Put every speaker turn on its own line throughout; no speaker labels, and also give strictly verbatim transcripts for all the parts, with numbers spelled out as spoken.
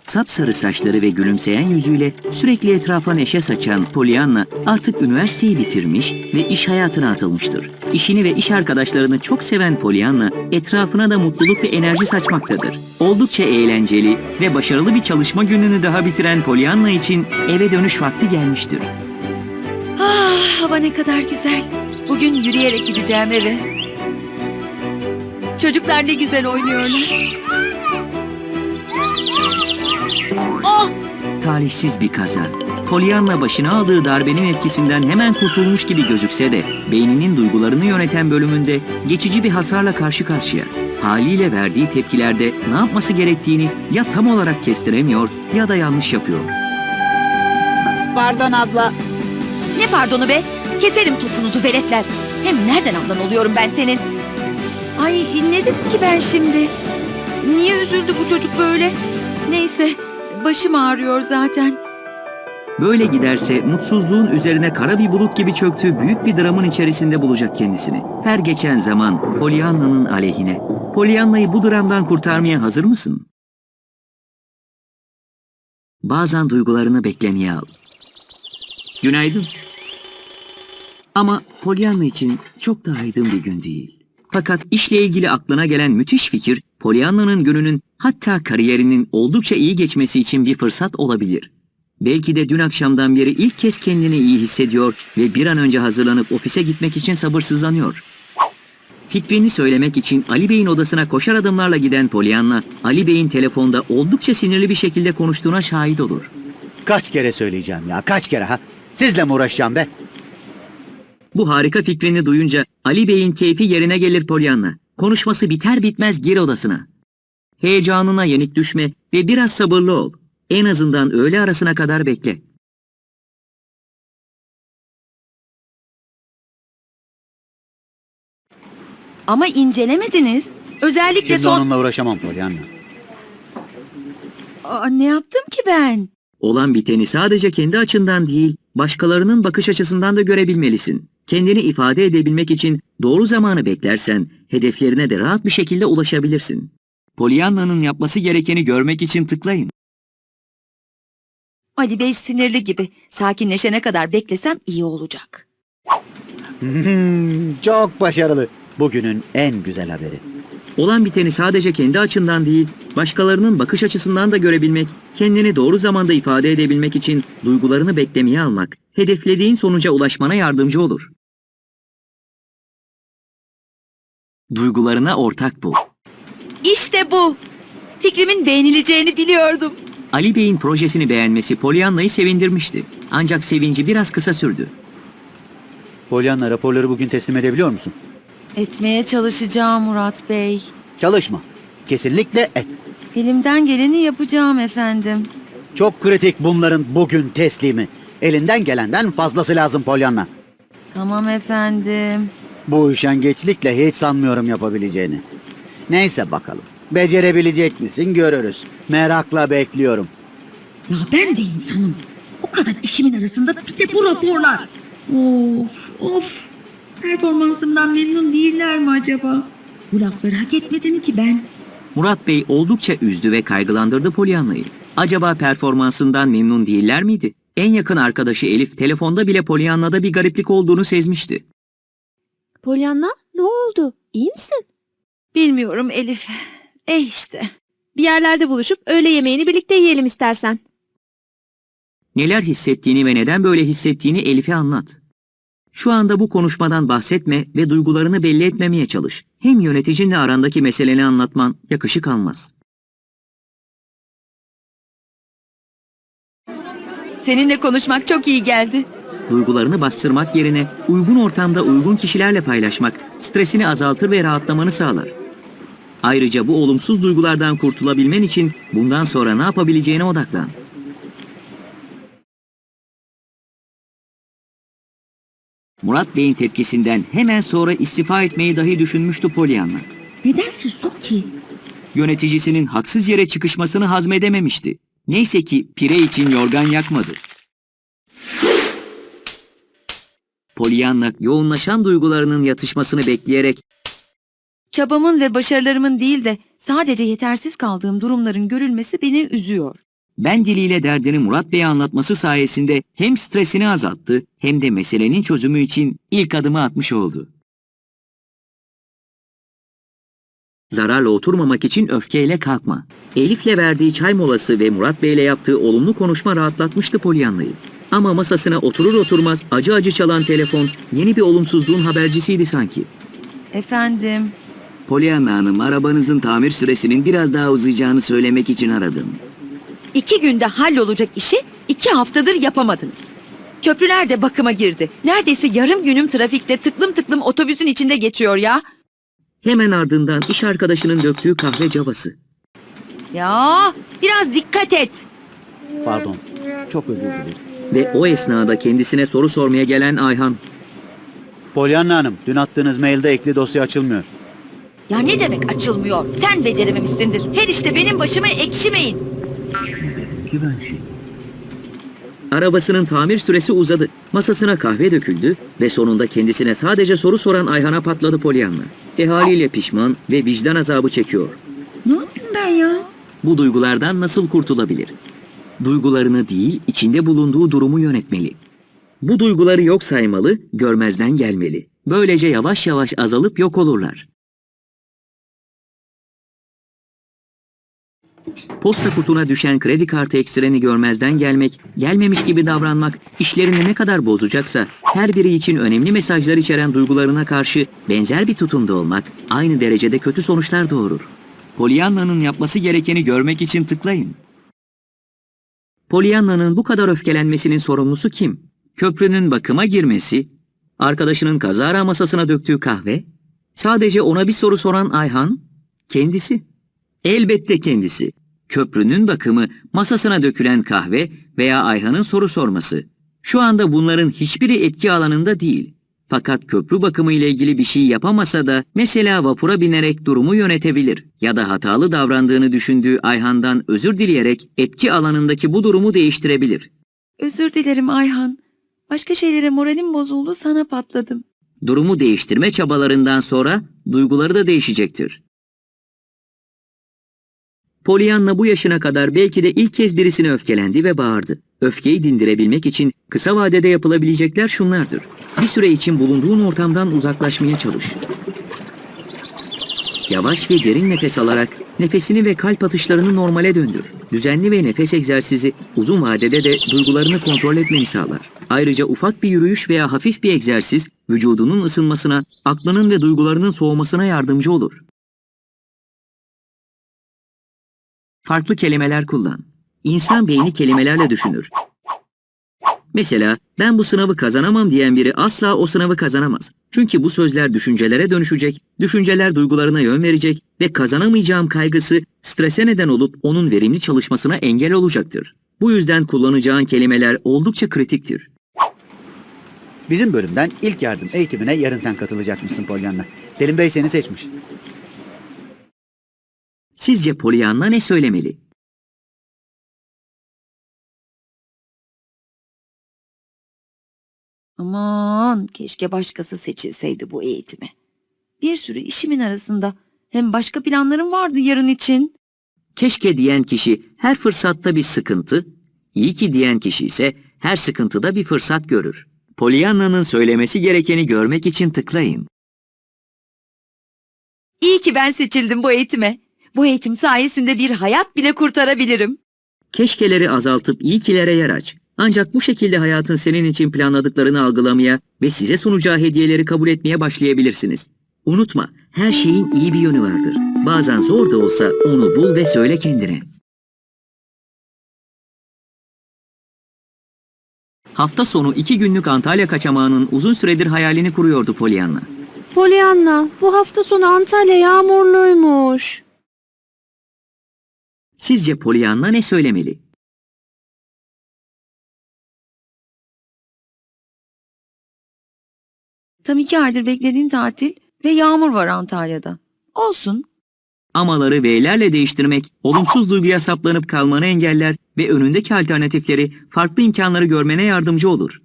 Sapsarı saçları ve gülümseyen yüzüyle sürekli etrafa neşe saçan Pollyanna artık üniversiteyi bitirmiş ve iş hayatına atılmıştır. İşini ve iş arkadaşlarını çok seven Pollyanna etrafına da mutluluk ve enerji saçmaktadır. Oldukça eğlenceli ve başarılı bir çalışma gününü daha bitiren Pollyanna için eve dönüş vakti gelmiştir.
Ah, hava ne kadar güzel. Bugün yürüyerek gideceğim eve. Çocuklar ne güzel oynuyorlar. Oh!
Talihsiz bir kaza. Pollyanna başına aldığı darbenin etkisinden hemen kurtulmuş gibi gözükse de beyninin duygularını yöneten bölümünde geçici bir hasarla karşı karşıya. Haliyle verdiği tepkilerde ne yapması gerektiğini ya tam olarak kestiremiyor ya da yanlış yapıyor.
Pardon abla.
Ne pardonu be? Keserim topunuzu veletler. Hem nereden ablan oluyorum ben senin? Ay ne dedim ki ben şimdi? Niye üzüldü bu çocuk böyle? Neyse, başım ağrıyor zaten.
Böyle giderse mutsuzluğun üzerine kara bir bulut gibi çöktüğü büyük bir dramın içerisinde bulacak kendisini. Her geçen zaman Pollyanna'nın aleyhine. Pollyanna'yı bu dramdan kurtarmaya hazır mısın? Bazen duygularını beklemeye al. Günaydın. Ama Pollyanna için çok da aydın bir gün değil. Fakat işle ilgili aklına gelen müthiş fikir, Pollyanna'nın gününün hatta kariyerinin oldukça iyi geçmesi için bir fırsat olabilir. Belki de dün akşamdan beri ilk kez kendini iyi hissediyor ve bir an önce hazırlanıp ofise gitmek için sabırsızlanıyor. Fikrini söylemek için Ali Bey'in odasına koşar adımlarla giden Pollyanna, Ali Bey'in telefonda oldukça sinirli bir şekilde konuştuğuna şahit olur.
Kaç kere söyleyeceğim ya, kaç kere ha? Sizle mi uğraşacağım be?
Bu harika fikrini duyunca Ali Bey'in keyfi yerine gelir Pollyanna. Konuşması biter bitmez gir odasına. Heyecanına yenik düşme ve biraz sabırlı ol. En azından öğle arasına kadar bekle.
Ama incelemediniz. Özellikle
Şimdi
son...
onunla uğraşamam Pollyanna.
Aa, ne yaptım ki ben?
Olan biteni sadece kendi açından değil, başkalarının bakış açısından da görebilmelisin. Kendini ifade edebilmek için doğru zamanı beklersen, hedeflerine de rahat bir şekilde ulaşabilirsin. Pollyanna'nın yapması gerekeni görmek için tıklayın.
Ali Bey sinirli gibi. Sakinleşene kadar beklesem iyi olacak.
Hmm, çok başarılı. Bugünün en güzel haberi.
Olan biteni sadece kendi açından değil, başkalarının bakış açısından da görebilmek, kendini doğru zamanda ifade edebilmek için duygularını beklemeye almak, hedeflediğin sonuca ulaşmana yardımcı olur. Duygularına ortak bul.
İşte bu. Fikrimin beğenileceğini biliyordum.
Ali Bey'in projesini beğenmesi Pollyanna'yı sevindirmişti. Ancak sevinci biraz kısa sürdü.
Pollyanna, raporları bugün teslim edebiliyor musun?
Etmeye çalışacağım Murat Bey.
Çalışma. Kesinlikle et.
Elimden geleni yapacağım efendim.
Çok kritik bunların bugün teslimi. Elinden gelenden fazlası lazım Pollyanna.
Tamam efendim.
Bu üşengeçlikle hiç sanmıyorum yapabileceğini. Neyse bakalım. Becerebilecek misin görürüz. Merakla bekliyorum.
Ya ben de insanım. O kadar işimin arasında bir de bu raporlar. Of of. Performansımdan memnun değiller mi acaba? Bu lafları hak etmedim ki ben.
Murat Bey oldukça üzdü ve kaygılandırdı Pollyanna'yı. Acaba performansından memnun değiller miydi? En yakın arkadaşı Elif telefonda bile Pollyanna'da bir gariplik olduğunu sezmişti.
Pollyanna, ne oldu? İyi misin?
Bilmiyorum Elif. E işte.
Bir yerlerde buluşup öğle yemeğini birlikte yiyelim istersen.
Neler hissettiğini ve neden böyle hissettiğini Elif'e anlat. Şu anda bu konuşmadan bahsetme ve duygularını belli etmemeye çalış. Hem yöneticinle arandaki meseleni anlatman yakışık almaz.
Seninle konuşmak çok iyi geldi.
Duygularını bastırmak yerine uygun ortamda uygun kişilerle paylaşmak stresini azaltır ve rahatlamanı sağlar. Ayrıca bu olumsuz duygulardan kurtulabilmen için bundan sonra ne yapabileceğine odaklan. Murat Bey'in tepkisinden hemen sonra istifa etmeyi dahi düşünmüştü Pollyanna.
Neden sustuk ki?
Yöneticisinin haksız yere çıkışmasını hazmedememişti. Neyse ki pire için yorgan yakmadı. Pollyanna yoğunlaşan duygularının yatışmasını bekleyerek
Çabamın ve başarılarımın değil de sadece yetersiz kaldığım durumların görülmesi beni üzüyor.
ben diliyle derdini Murat Bey'e anlatması sayesinde hem stresini azalttı hem de meselenin çözümü için ilk adımı atmış oldu. Zararla oturmamak için öfkeyle kalkma. Elif'le verdiği çay molası ve Murat Bey'le yaptığı olumlu konuşma rahatlatmıştı Pollyanna'yı. Ama masasına oturur oturmaz acı acı çalan telefon yeni bir olumsuzluğun habercisiydi sanki.
Efendim.
Pollyanna Hanım, arabanızın tamir süresinin biraz daha uzayacağını söylemek için aradım.
İki günde hallolacak işi iki haftadır yapamadınız. Köprüler de bakıma girdi. Neredeyse yarım günüm trafikte tıklım tıklım otobüsün içinde geçiyor ya.
Hemen ardından iş arkadaşının döktüğü kahve cavası.
Ya biraz dikkat et.
Pardon. Çok özür dilerim.
Ve o esnada kendisine soru sormaya gelen Ayhan.
Pollyanna Hanım, dün attığınız mailde ekli dosya açılmıyor.
Ya ne demek açılmıyor? Sen becerememişsindir. Her işte benim başıma ekşimeyin.
Ki ben şey.
Arabasının tamir süresi uzadı. Masasına kahve döküldü ve sonunda kendisine sadece soru soran Ayhan'a patladı Pollyanna. E haliyle pişman ve vicdan azabı çekiyor.
Ne yaptım ben ya?
Bu duygulardan nasıl kurtulabilir? Duygularını değil, içinde bulunduğu durumu yönetmeli. Bu duyguları yok saymalı, görmezden gelmeli. Böylece yavaş yavaş azalıp yok olurlar. Posta kutuna düşen kredi kartı ekstreni görmezden gelmek, gelmemiş gibi davranmak, işlerini ne kadar bozacaksa her biri için önemli mesajlar içeren duygularına karşı benzer bir tutumda olmak aynı derecede kötü sonuçlar doğurur. Pollyanna'nın yapması gerekeni görmek için tıklayın. Pollyanna'nın bu kadar öfkelenmesinin sorumlusu kim? Köprünün bakıma girmesi, arkadaşının kazara masasına döktüğü kahve, sadece ona bir soru soran Ayhan, kendisi. Elbette kendisi. Köprünün bakımı, masasına dökülen kahve veya Ayhan'ın soru sorması. Şu anda bunların hiçbiri etki alanında değil. Fakat köprü bakımı ile ilgili bir şey yapamasa da mesela vapura binerek durumu yönetebilir ya da hatalı davrandığını düşündüğü Ayhan'dan özür dileyerek etki alanındaki bu durumu değiştirebilir.
Özür dilerim Ayhan. Başka şeylere moralim bozuldu, sana patladım.
Durumu değiştirme çabalarından sonra duyguları da değişecektir. Pollyanna bu yaşına kadar belki de ilk kez birisine öfkelendi ve bağırdı. Öfkeyi dindirebilmek için kısa vadede yapılabilecekler şunlardır. Bir süre için bulunduğun ortamdan uzaklaşmaya çalış. Yavaş ve derin nefes alarak nefesini ve kalp atışlarını normale döndür. Düzenli ve nefes egzersizi uzun vadede de duygularını kontrol etmeni sağlar. Ayrıca ufak bir yürüyüş veya hafif bir egzersiz vücudunun ısınmasına, aklının ve duygularının soğumasına yardımcı olur. Farklı kelimeler kullan. İnsan beyni kelimelerle düşünür. Mesela ben bu sınavı kazanamam diyen biri asla o sınavı kazanamaz. Çünkü bu sözler düşüncelere dönüşecek, düşünceler duygularına yön verecek ve kazanamayacağım kaygısı strese neden olup onun verimli çalışmasına engel olacaktır. Bu yüzden kullanacağın kelimeler oldukça kritiktir.
Bizim bölümden ilk yardım eğitimine yarın sen katılacakmışsın Pollyanna. Selim Bey seni seçmiş.
Sizce Pollyanna ne söylemeli?
Aman keşke başkası seçilseydi bu eğitime. Bir sürü işimin arasında. Hem başka planlarım vardı yarın için.
Keşke diyen kişi her fırsatta bir sıkıntı, iyi ki diyen kişi ise her sıkıntıda bir fırsat görür. Pollyanna'nın söylemesi gerekeni görmek için tıklayın.
İyi ki ben seçildim bu eğitime. Bu eğitim sayesinde bir hayat bile kurtarabilirim.
Keşkeleri azaltıp iyi kilere yer aç. Ancak bu şekilde hayatın senin için planladıklarını algılamaya ve size sunacağı hediyeleri kabul etmeye başlayabilirsiniz. Unutma, her şeyin iyi bir yönü vardır. Bazen zor da olsa onu bul ve söyle kendine. Hafta sonu iki günlük Antalya kaçamağının uzun süredir hayalini kuruyordu Pollyanna.
Pollyanna, bu hafta sonu Antalya yağmurluymuş.
Sizce Pollyanna ne söylemeli?
Tam iki aydır beklediğim tatil ve yağmur var Antalya'da. Olsun.
Amaları V'lerle değiştirmek, olumsuz duyguya saplanıp kalmanı engeller ve önündeki alternatifleri, farklı imkanları görmene yardımcı olur.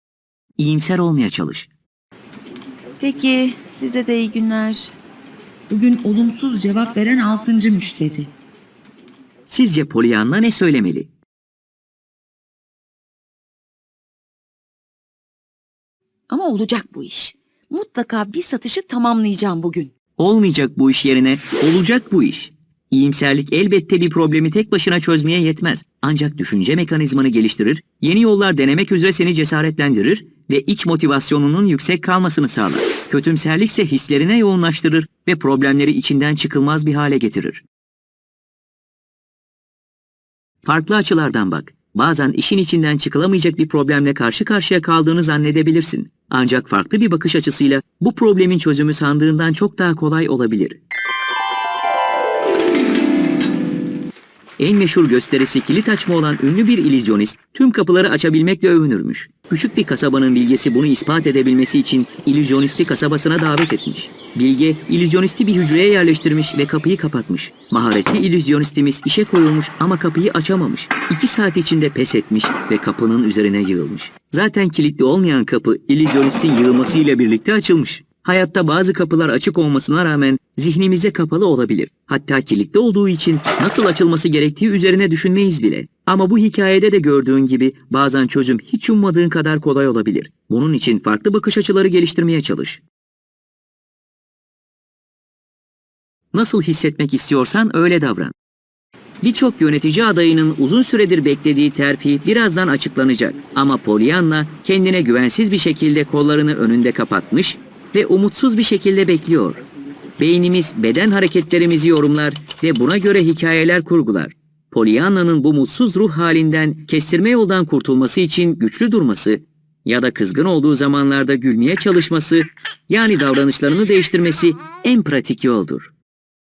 İyimser olmaya çalış.
Peki size de iyi günler.
Bugün olumsuz cevap veren altıncı müşteri.
Sizce Pollyanna ne söylemeli?
Ama olacak bu iş. Mutlaka bir satışı tamamlayacağım bugün.
Olmayacak bu iş yerine olacak bu iş. İyimserlik elbette bir problemi tek başına çözmeye yetmez. Ancak düşünce mekanizmanı geliştirir, yeni yollar denemek üzere seni cesaretlendirir ve iç motivasyonunun yüksek kalmasını sağlar. Kötümserlik ise hislerine yoğunlaştırır ve problemleri içinden çıkılmaz bir hale getirir. Farklı açılardan bak. Bazen işin içinden çıkılamayacak bir problemle karşı karşıya kaldığını zannedebilirsin. Ancak farklı bir bakış açısıyla bu problemin çözümü sandığından çok daha kolay olabilir. En meşhur gösterisi kilit açma olan ünlü bir illüzyonist tüm kapıları açabilmekle övünürmüş. Küçük bir kasabanın bilgesi bunu ispat edebilmesi için illüzyonisti kasabasına davet etmiş. Bilge, illüzyonisti bir hücreye yerleştirmiş ve kapıyı kapatmış. Maharetli illüzyonistimiz işe koyulmuş ama kapıyı açamamış. İki saat içinde pes etmiş ve kapının üzerine yığılmış. Zaten kilitli olmayan kapı illüzyonistin yığılmasıyla birlikte açılmış. Hayatta bazı kapılar açık olmasına rağmen zihnimize kapalı olabilir. Hatta kilitli olduğu için nasıl açılması gerektiği üzerine düşünmeyiz bile. Ama bu hikayede de gördüğün gibi bazen çözüm hiç ummadığın kadar kolay olabilir. Bunun için farklı bakış açıları geliştirmeye çalış. Nasıl hissetmek istiyorsan öyle davran. Birçok yönetici adayının uzun süredir beklediği terfi birazdan açıklanacak. Ama Pollyanna kendine güvensiz bir şekilde kollarını önünde kapatmış ve umutsuz bir şekilde bekliyor. Beynimiz beden hareketlerimizi yorumlar ve buna göre hikayeler kurgular. Pollyanna'nın bu mutsuz ruh halinden kestirme yoldan kurtulması için güçlü durması ya da kızgın olduğu zamanlarda gülmeye çalışması, yani davranışlarını değiştirmesi en pratik yoldur.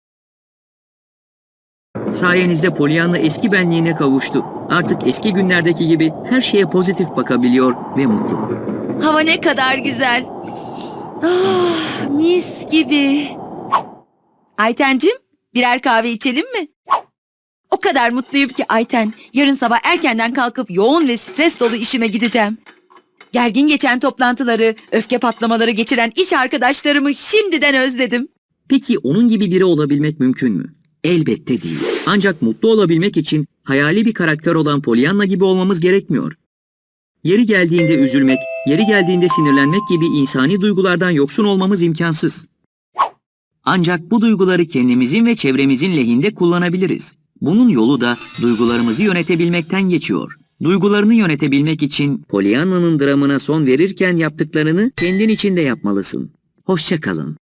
Sayenizde Pollyanna eski benliğine kavuştu. Artık eski günlerdeki gibi her şeye pozitif bakabiliyor ve mutlu.
Hava ne kadar güzel. Ah, mis gibi. Aytencim, birer kahve içelim mi? O kadar mutluyum ki Ayten. Yarın sabah erkenden kalkıp yoğun ve stres dolu işime gideceğim. Gergin geçen toplantıları, öfke patlamaları geçiren iş arkadaşlarımı şimdiden özledim.
Peki onun gibi biri olabilmek mümkün mü? Elbette değil. Ancak mutlu olabilmek için hayali bir karakter olan Pollyanna gibi olmamız gerekmiyor. Yeri geldiğinde üzülmek, yeri geldiğinde sinirlenmek gibi insani duygulardan yoksun olmamız imkansız. Ancak bu duyguları kendimizin ve çevremizin lehinde kullanabiliriz. Bunun yolu da duygularımızı yönetebilmekten geçiyor. Duygularını yönetebilmek için Pollyanna'nın dramına son verirken yaptıklarını kendin için de yapmalısın. Hoşça kalın.